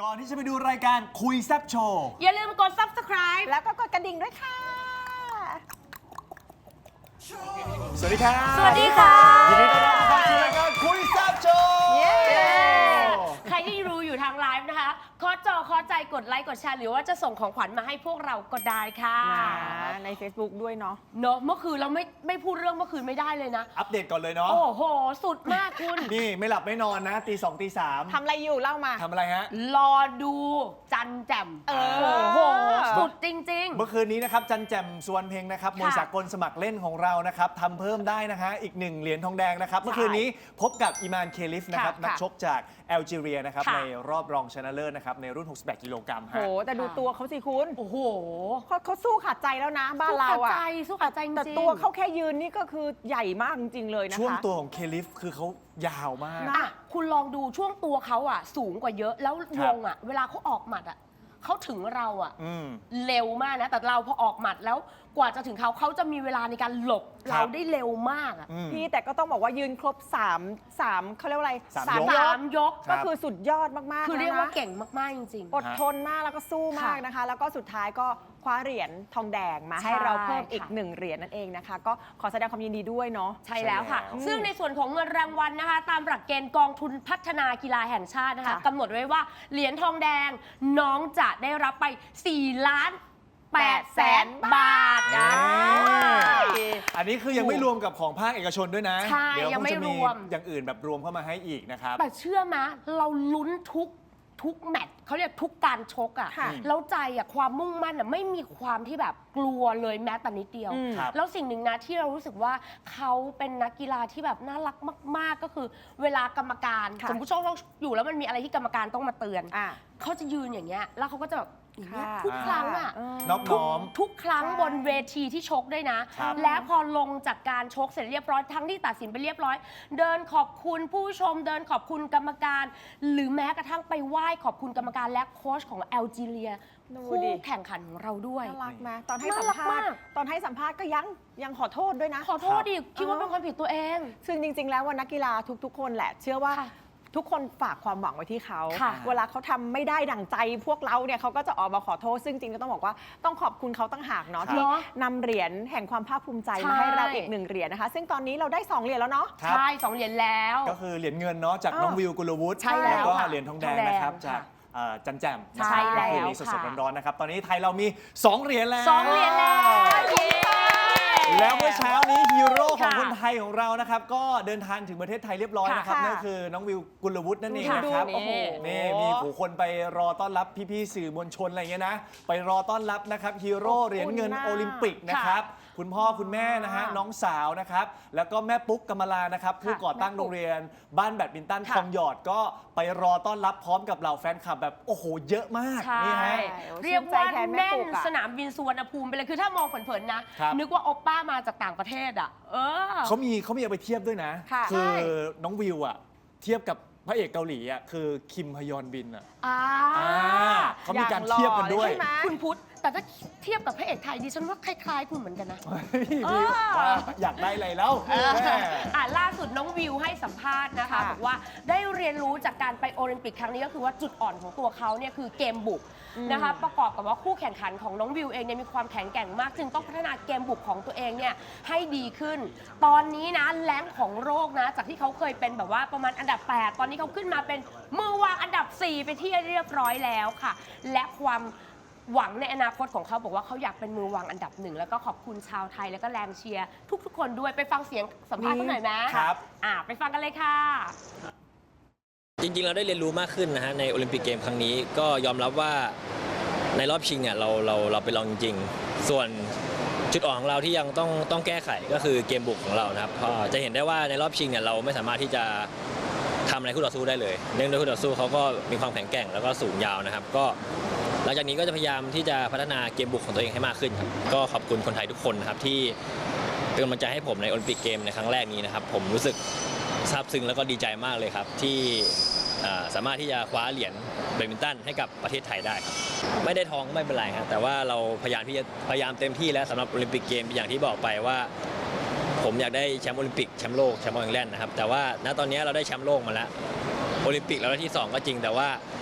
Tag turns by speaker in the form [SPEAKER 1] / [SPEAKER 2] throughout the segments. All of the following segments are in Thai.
[SPEAKER 1] ก่อนที่จะไปดูรายการคุยแซ่บโชว์
[SPEAKER 2] อย่าลืมกด subscribe
[SPEAKER 3] แล้วก็กดกระดิ่งด้วยค่ะ
[SPEAKER 1] สวัสดีครับ
[SPEAKER 2] สวัสดีค่ะ
[SPEAKER 1] ยินดีต้อนรับเข้าสู่รายการคุยแซ่บโชว์
[SPEAKER 2] ใครที่รู้อยู่ทางไลฟ์นะคะขอจอขอใจกดไลค์กดแชร์หรือว่าจะส่งของขวัญมาให้พวกเราก็ได้ค่ะ
[SPEAKER 3] ใน Facebook ด้วยเนาะ
[SPEAKER 2] เนอะเมื่อคืนเราไม่พูดเรื่องเมื่อคืนไม่ได้เลยนะ
[SPEAKER 1] อัปเดตก่อนเลยเนาะ
[SPEAKER 2] โอ้โห สุดมากคุณ
[SPEAKER 1] นี่ไม่หลับไม่นอนนะตีสองตีสาม
[SPEAKER 3] ทำอะไรอยู่เล่ามา
[SPEAKER 1] ทำอะไรฮะ
[SPEAKER 2] รอดูจันแจ่ม
[SPEAKER 3] เออ
[SPEAKER 2] โอ้โห สุดจริง
[SPEAKER 1] เมื่อคืนนี้นะครับจันแจ่มสวนเพลงนะครับมวยสากลสมัครเล่นของเรานะครับทำเพิ่มได้นะฮะอีก1เหรียญทองแดงนะครับเมื่อคืนนี้พบกับอิมานเคลิฟนะครับ
[SPEAKER 3] ค่ะ
[SPEAKER 1] นักชกจากแอลจีเรียนะครับ
[SPEAKER 2] ค่ะ
[SPEAKER 1] ในรอบรองชนะเลิศนะครับในรุ่น 68 กิโลกรัม
[SPEAKER 3] โห
[SPEAKER 1] ฮะ
[SPEAKER 3] แต่ดูตัวเขาสิคุณ
[SPEAKER 2] ๆ โอ้โห
[SPEAKER 3] เขาสู้ขาดใจแล้วนะบ้านเราอะ
[SPEAKER 2] สู้ขาดใจจริงๆ
[SPEAKER 3] แต่ตัวเขาแค่ยืนนี่ก็คือใหญ่มากจริงๆเลยนะคะ
[SPEAKER 1] ช่วงตัวของเคลิฟคือเขายาวมาก
[SPEAKER 3] นะ
[SPEAKER 2] อ่ะคุณลองดูช่วงตัวเขาอ่ะสูงกว่าเยอะแล้ววงอ่ะเวลาเขาออกหมัดอ่ะเขาถึงเราอ่ะ
[SPEAKER 1] อืม
[SPEAKER 2] เร็วมากนะแต่เราพอออกหมัดแล้วกว่าจะถึงเขาจะมีเวลาในการหลบ
[SPEAKER 1] ครับ
[SPEAKER 2] เราได้เร็วมากอ่ะ
[SPEAKER 1] อืม
[SPEAKER 3] พี่แต่ก็ต้องบอกว่ายืนครบ3เขาเรียกว่าอะไร
[SPEAKER 1] สามยก
[SPEAKER 3] ย
[SPEAKER 2] สาก มยก
[SPEAKER 3] ก็คือสุดยอดมากๆ
[SPEAKER 2] คือเรียก
[SPEAKER 3] แล้ว
[SPEAKER 2] ว่า
[SPEAKER 3] นะ
[SPEAKER 2] เก่งมากๆจริง
[SPEAKER 3] อดทนมากแล้วก็สู้มากนะคะ แล้วก็สุดท้ายก็คว้าเหรียญทองแดงมาให้
[SPEAKER 2] ใช่
[SPEAKER 3] เราเพิ่มอีก
[SPEAKER 2] ค่ะ
[SPEAKER 3] 1 เหรียญนั่นเองนะคะ ก็ขอแสดงความยินดีด้วยเนาะ
[SPEAKER 2] ใช่แล้วค่ะ
[SPEAKER 1] ใช่แล้ว
[SPEAKER 2] ซึ่งในส่วนของเงินรางวัลนะคะ ตามหลักเกณฑ์กองทุนพัฒนากีฬาแห่งชาตินะคะ
[SPEAKER 3] ค่ะ
[SPEAKER 2] กำหนดไว้ว่าเหรียญทองแดงน้องจะได้รับไป4 ล้าน8 แสนบาทนะ
[SPEAKER 1] อันนี้คือยังไม่รวมกับของภาคเอกชนด้วยนะ
[SPEAKER 2] ใช่
[SPEAKER 1] เดี๋ยว
[SPEAKER 2] ยังไม่
[SPEAKER 1] คจะ
[SPEAKER 2] รวม
[SPEAKER 1] อย่างอื่นแบบรวมเข้ามาให้อีกนะครับ
[SPEAKER 2] แต่เชื่อมะเราลุ้นทุกแมตช์เขาเรียกทุกการชกอ่ะ
[SPEAKER 3] ค่ะ
[SPEAKER 2] แล้วใจอ่ะความมุ่งมั่นอ่ะไม่มีความที่แบบกลัวเลยแม้แต่นิดเดียว
[SPEAKER 3] อืม
[SPEAKER 1] ครับ
[SPEAKER 2] แล้วสิ่งหนึ่งนะที่เรารู้สึกว่าเขาเป็นนักกีฬาที่แบบน่ารักมาก ๆ ก็คือเวลากรรมการ
[SPEAKER 3] ค่ะ
[SPEAKER 2] สมมติชกอยู่แล้วมันมีอะไรที่กรรมการต้องมาเตือน
[SPEAKER 3] อ่ะ
[SPEAKER 2] เขาจะยืนอย่างเงี้ยแล้วเขาก็จะแบบอย่างเงี้ย
[SPEAKER 3] ค่ะ
[SPEAKER 2] ทุกครั้งอ่ะ
[SPEAKER 1] นอบน้อม
[SPEAKER 2] ทุกครั้ง
[SPEAKER 3] ใช่
[SPEAKER 2] บนเวทีที่ชกด้วยนะ
[SPEAKER 1] ครับ
[SPEAKER 2] และพอลงจากการชกเสร็จเรียบร้อยทั้งที่ตัดสินไปเรียบร้อย เดินขอบคุณผู้ชม เดินขอบคุณกรรมการ หรือแม้กระทั่งไปไหว้ขอบคุณกรรมการและโค้ชของแอลจีเรีย
[SPEAKER 3] ดู
[SPEAKER 2] คู่
[SPEAKER 3] ดิ
[SPEAKER 2] แข่งขันของเราด้วย
[SPEAKER 3] น่ารักไหมตอนให้
[SPEAKER 2] น่า
[SPEAKER 3] สัม
[SPEAKER 2] รัก
[SPEAKER 3] ภาษ
[SPEAKER 2] มาก
[SPEAKER 3] ณ์ตอนให้สัมภาษณ์ก็ยังขอโทษด้วยนะ
[SPEAKER 2] ขอโทษดิคิดว่าเป็นความผิดตัวเอง
[SPEAKER 3] ซึ่งจริง ๆ แล้วว่านักกีฬาทุกๆ คนแหละ เชื่อว่า
[SPEAKER 2] ค่ะ
[SPEAKER 3] ทุกคนฝากความหวังไว้ที่เขา
[SPEAKER 2] ค่ะ
[SPEAKER 3] เวลาเขาทำไม่ได้ดั่งใจพวกเราเนี่ยเขาก็จะออกมาขอโทษ ซึ่งจริงๆก็ต้องบอกว่าต้องขอบคุณเขาตั้งหากเนาะ
[SPEAKER 1] ครับ
[SPEAKER 3] ที่
[SPEAKER 2] เนาะ
[SPEAKER 3] นำเหรียญแห่งความภาคภูมิใจ
[SPEAKER 2] ใช่
[SPEAKER 3] มาให้เราอีก1 เหรียญนะคะ ซึ่งตอนนี้เราได้2 เหรียญแล้วเนาะ
[SPEAKER 1] ครับ
[SPEAKER 2] ใช่2 เหรียญแล้ว
[SPEAKER 1] ก็คือเหรียญเงินเนาะจาก
[SPEAKER 3] อ้าว
[SPEAKER 1] น้องวิวกุลวุฒิ
[SPEAKER 2] ใช่แล้ว
[SPEAKER 1] ก็
[SPEAKER 2] ค่ะ
[SPEAKER 1] เหรียญทองแดง
[SPEAKER 2] ทองแดง
[SPEAKER 1] นะครับ
[SPEAKER 2] ค่ะ
[SPEAKER 1] จากจันแจ่ม
[SPEAKER 2] ใช่แล้ว
[SPEAKER 1] คืนนี้สด
[SPEAKER 2] ค่ะ
[SPEAKER 1] ๆร้อนๆนะครับตอนนี้ไทยเรามี2 เหรียญแล้ว
[SPEAKER 2] 2 เหรียญแล้วเย้
[SPEAKER 1] แล้วเมื่อเช้านี้ฮีโร่ของ
[SPEAKER 2] ค่ะ
[SPEAKER 1] คนไทยของเรานะครับก็เดินทางถึงประเทศไทยเรียบร้อยนะครับ
[SPEAKER 3] ค่ะ
[SPEAKER 1] นั่นคือน้องวิวกุลวุฒินั่นเอง
[SPEAKER 3] ดู
[SPEAKER 1] นะครับ
[SPEAKER 3] โอ้โห
[SPEAKER 1] นี่มีผู้คนไปรอต้อนรับพี่ๆสื่อมวลชนอะไรเงี้ยนะไปรอต้อนรับนะครับฮีโร่เหรียญเงินโอลิมปิกนะครับคุณพ่อคุณแม่นะฮะน้องสาวนะครับแล้วก็แม่ปุ๊กกำมลานะครับผู้ก่อตั้งโรงเรียนบ้านแบดมินตัน
[SPEAKER 3] ค่ะ
[SPEAKER 1] ทองหยอดก็ไปรอต้อนรับพร้อมกับเหล่าแฟนคลับแบบโอ้โหเยอะมาก
[SPEAKER 2] ใช่
[SPEAKER 1] นี่ฮะ
[SPEAKER 2] เรียกว่า
[SPEAKER 3] ชื่นใจแทนแม่
[SPEAKER 2] แน่น
[SPEAKER 3] ปุ๊กอะ
[SPEAKER 2] สนามบินสุวรรณภูมิไปเลยคือถ้ามองเผินๆนะ
[SPEAKER 1] ครับ
[SPEAKER 2] นึกว่าโอปป้ามาจากต่างประเทศอ่ะ
[SPEAKER 1] เขามีเอาไปเทียบด้วยนะ
[SPEAKER 3] ค่ะ
[SPEAKER 1] คือ
[SPEAKER 2] ใช่
[SPEAKER 1] น้องวิวอะเทียบกับพระเอกเกาหลีอะคือคิมฮยอนบินอะ
[SPEAKER 2] อ่า
[SPEAKER 1] เขามีการเทียบกันด้วย
[SPEAKER 3] ใช่ไหม
[SPEAKER 2] คุณพุทธแต่ถ้าเทียบกับพระเอกไทยดิฉันว่าคล้ายๆคุณเหมือนกันนะ
[SPEAKER 1] พี่ว่าอยากได้อะไรแล้วแม่
[SPEAKER 2] ล่าสุดน้องวิวให้สัมภาษณ์นะคะ
[SPEAKER 3] ค่ะ
[SPEAKER 2] บอกว่าได้เรียนรู้จากการไปโอลิมปิกครั้งนี้ก็คือว่าจุดอ่อนของตัวเขาเนี่ยคือเกมบุกนะคะประกอบกับว่าคู่แข่งขันของน้องวิวเองเนี่ยมีความแข็งแกร่งมาก จึงต้องพัฒนาเกมบุกของตัวเองเนี่ยให้ดีขึ้น ตอนนี้นะแรงของโลกนะจากที่เขาเคยเป็นแบบว่าประมาณอันดับ 8 ตอนนี้เขาขึ้นมาเป็นมือวางอันดับ 4 ไปที่เรียบร้อยแล้วค่ะ และความหวังในอนาคตของเขาบอกว่าเขาอยากเป็นมือวางอันดับ 1แล้วก็ขอบคุณชาวไทยแล้วก็แรงเชียร์ทุกๆคนด้วยไปฟังเสียงสัมภาษณ์เขาหน่อยไหม
[SPEAKER 1] ครับ
[SPEAKER 2] ไปฟังกันเลยค่ะ
[SPEAKER 4] จริงๆ เราได้เรียนรู้มากขึ้นนะฮะในโอลิมปิกเกมครั้งนี้ก็ยอมรับว่าในรอบชิงเนี่ยเราไปลองจริงๆ ส่วนจุดอ่อนของเราที่ยังต้องแก้ไขก็คือเกมบุกของเรานะครับก็จะเห็นได้ว่าในรอบชิงเนี่ยเราไม่สามารถที่จะทำอะไรคู่ต่อสู้ได้เลยเนื่องด้วยคู่ต่อสู้เขาก็มีความแข็งแกร่งแล้วก็สูงยาวนะครับก็หลังจากนี้ก็จะพยายามที่จะพัฒนาเกมบุกของตัวเองให้มากขึ้นครับก็ขอบคุณคนไทยทุกคนนะครับที่เป็นกำลังใจให้ผมในโอลิมปิกเกมในครั้งแรกนี้นะครับผมรู้สึกซาบซึ้งแล้วก็ดีใจมากเลยครับที่สามารถที่จะคว้าเหรียญแบดมินตันให้กับประเทศไทยได้ครับไม่ได้ทองไม่เป็นไรครับแต่ว่าเราพยายามเต็มที่แล้วสำหรับโอลิมปิกเกมอย่างที่บอกไปว่าผมอยากได้แชมป์โอลิมปิกแชมป์โลกแชมป์ออลแลนด์นะครับแต่ว่าณตอนนี้เราได้แชมป์โลกมาแล้วโอลิมปิกเราได้ที่ 2 ก็จริงแต่ว่าผ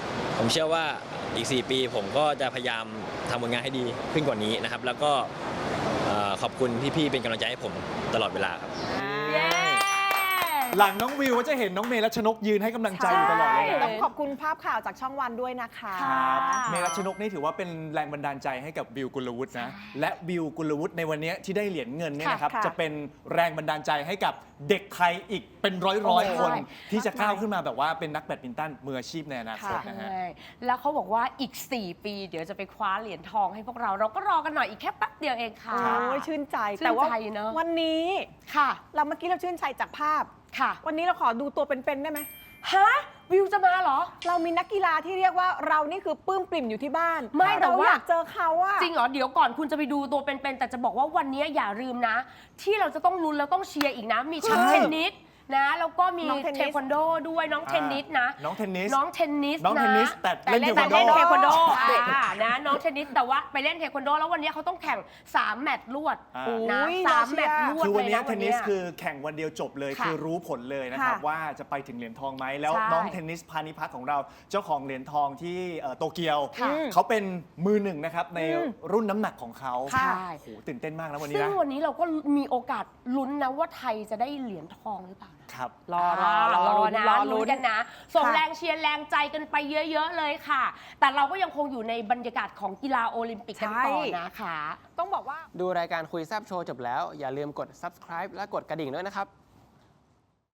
[SPEAKER 4] ผมเชื่อว่าอีก 4 ปีผมก็จะพยายามทำผลงานให้ดีขึ้นกว่านี้นะครับ แล้วก็ขอบคุณพี่ๆเป็นกำลังใจให้ผมตลอดเวลาครับ
[SPEAKER 2] เย้
[SPEAKER 1] หลังน้องวิวก็จะเห็นน้องเมรัชนกยืนให้กำลังใจอยู่ตลอดเลย
[SPEAKER 2] ใช่
[SPEAKER 1] นะ
[SPEAKER 3] ต้องขอบคุณภาพข่าวจากช่องวันด้วยนะคะ
[SPEAKER 1] ครับเมรัชนกนี่ถือว่าเป็นแรงบันดาลใจให้กับวิวกุลวุฒินะ และวิวกุลวุฒิในวันนี้ที่ได้เหรียญเงินเนี่ยนะครับ
[SPEAKER 3] ค่ะ
[SPEAKER 1] จะเป็นแรงบันดาลใจให้กับเด็กไทยอีกเป็นร้อยๆ คน ที่จะก้าวขึ้นมาแบบว่าเป็นนักแบดมินตันมืออาชีพในอนาคตนะฮะ
[SPEAKER 2] ใช่แล้วเขาบอกว่าอีก 4 ปีเดี๋ยวจะไปคว้าเหรียญทองให้พวกเราก็รอกันหน่อยอีกแค่แป๊บเดียวเองค่ะ
[SPEAKER 3] โอ้ยชื่นใจ
[SPEAKER 2] ชื่นใจ
[SPEAKER 3] แต่ว่า
[SPEAKER 2] เนอะ
[SPEAKER 3] วันนี้
[SPEAKER 2] ค่ะ
[SPEAKER 3] เราเมื่อกี้เราชื่นใจจากภาพ
[SPEAKER 2] ค่ะ
[SPEAKER 3] วันนี้เราขอดูตัวเป็นๆได้ไหม
[SPEAKER 2] ฮะวิวจะมาเหรอ
[SPEAKER 3] เรามีนักกีฬาที่เรียกว่าเรานี่คือปลื้มปริ่มอยู่ที่บ้าน
[SPEAKER 2] ไม่แต่
[SPEAKER 3] เรา
[SPEAKER 2] ว่า
[SPEAKER 3] อยากเจอเขาอะ
[SPEAKER 2] จริงเหรอ เดี๋ยวก่อนคุณจะไปดูตัวเป็นๆแต่จะบอกว่าวันนี้อย่าลืมนะ ที่เราจะต้องลุ้นแล้วต้องเชียร์อีกนะ มีชั้น
[SPEAKER 1] ใช่
[SPEAKER 2] เทนนิสนะแล้วก็มี
[SPEAKER 3] น้องเทนนิส
[SPEAKER 2] เทควันโดด้วยน้องเทนนิสนะ
[SPEAKER 1] น้องเทนนิส
[SPEAKER 2] น้องเทนนิส
[SPEAKER 1] น้องเทนนิส
[SPEAKER 2] ะ
[SPEAKER 1] แต่เล่น
[SPEAKER 2] แต่เล่น
[SPEAKER 1] เท
[SPEAKER 2] เท
[SPEAKER 1] ค
[SPEAKER 2] ค
[SPEAKER 1] วั
[SPEAKER 2] วัน น
[SPEAKER 1] โด
[SPEAKER 2] โดนะน้องเทนนิสแต่ว่าไปเล่นเทควันโดแล้ววันนี้เขาต้องแข่ง 3 แมตช์รวด
[SPEAKER 1] อ่า
[SPEAKER 2] นะ
[SPEAKER 3] อุ๊ย
[SPEAKER 2] สาม
[SPEAKER 3] น่าเชื่อ
[SPEAKER 2] แมตช์รวด
[SPEAKER 1] คือวันนี้
[SPEAKER 2] ลยะ
[SPEAKER 1] เทนนิสคือแข่งวันเดียวจบเลย
[SPEAKER 2] ค่ะ
[SPEAKER 1] คือรู้ผลเลยนะครับ
[SPEAKER 3] ค่ะ
[SPEAKER 1] ว่าจะไปถึงเหรียญทองไหมแล้ว
[SPEAKER 2] ใช่
[SPEAKER 1] น้องเทนนิสพานิพักของเราเจ้าของเหรียญทองที่โตเกียว
[SPEAKER 2] ค่ะ
[SPEAKER 1] เขาเป็นมือหนึ่งนะครับในรุ่นน้ำหนักของเขา
[SPEAKER 2] ค่ะ
[SPEAKER 1] โอ้โหตื่นเต้นมากนะวันนี้
[SPEAKER 2] ซึ่ง
[SPEAKER 1] นะ
[SPEAKER 2] วันนี้เราก็มีโอกาสลุ้นนะว่าไทยจะได้เหรียญทองหรือเปล่า
[SPEAKER 1] ครับ
[SPEAKER 3] รอลุ้น
[SPEAKER 2] นะ
[SPEAKER 3] รอ
[SPEAKER 2] ลุ้
[SPEAKER 3] ลุ้
[SPEAKER 2] น
[SPEAKER 3] น
[SPEAKER 2] กันนะ ส่ง
[SPEAKER 3] ค่ะ
[SPEAKER 2] แรงเชียร์แรงใจกันไปเยอะ ๆ เลยค่ะ แต่เราก็ยังคงอยู่ในบรรยากาศของกีฬาโอลิมปิกกันต่อนะคะ
[SPEAKER 3] ต้องบอกว่า
[SPEAKER 5] ดูรายการคุยแซบโชว์จบแล้ว อย่าลืมกด subscribe และกดกระดิ่งด้วยนะครับ